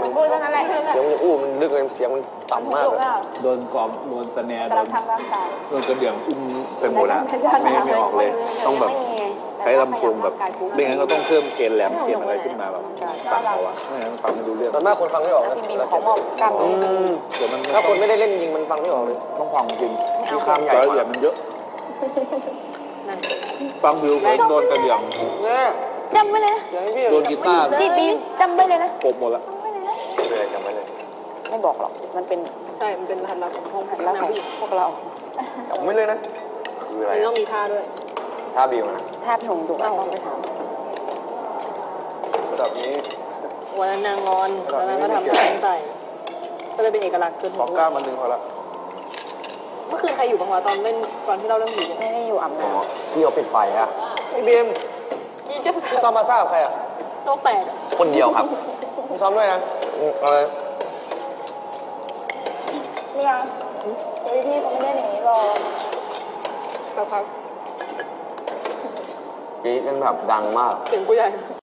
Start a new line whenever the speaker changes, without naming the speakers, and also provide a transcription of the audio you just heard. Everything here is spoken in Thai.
พูดเท่านั้นแหละ
เสียงมันอู้มันลึกเลยเสียงมันต่ำมากเลย
โดนกล่อมโดนสแนร์โดน
ทางร่างกาย
โดนกระเดื่องอุ้มไปหมดแล้วไม่ออกเลยต้องแบบใช้ลำโพงแบบไม่งั้นก็ต้องเพิ่มเกณฑ์แหลมเกณฑ์อะไรขึ้นมาแบบฟังเอาอะไม่งั้นฟังไม่รู้เรื่อง
ตอนมากคนฟังไม่ออกนะ
บินของมอบกล้าม
เดี๋ยวมัน
ถ้าคนไม่ได้เล่นจริงมันฟังไม่ออกเลย
ต้องฟังจริง
ที่ข้ามใหญ่
รายละเอียดมันเยอะฟังวิวโดนกระเดื่อง
เนี่ย
จำไว้เลย
เสียงพี่
โดนกีตาร์
พี่บีจำไว้เลยนะ
กบหมดละ
เป็นอะไรจำไว้เลย
ไม่บอกหรอกมันเป็น
ใช่มันเป็นรหัสลับของห้อง
หันแล้วของพวกเรา
จำไว้เลยนะคืออะไร
มันต้องมีท่าด้วย
ท่าบิวนะ
ถ้าพี่หนุ่มดุต้องไปถาม
ระดับนี้
วันนั้นนางงอนวันนั้นก็ทำแทงใส่ก็เลยเป็นเอกลักษณ์จน
ขอก้ามันหนึ่งพอละ
เมื่อคืนใครอยู่บ้างวะตอนเล่นตอนที่เราเล่นผีเนี่ย
ไม่ได้อยู่อาบน้
พี่เอาปิดไฟอะพี่บีม
ยี่ก็
พี่ซ้อมมาซ่ากับใครอะ
โลกแตก
คนเดียวครับพี่ซ้อมด้วยนะอะไร
ำไม่เอาพี่เขาไม่ได้อย่างนี้หรอก
สักพัก
กรี๊ดกันแบบดังมาก
เสียงผู้ใหญ่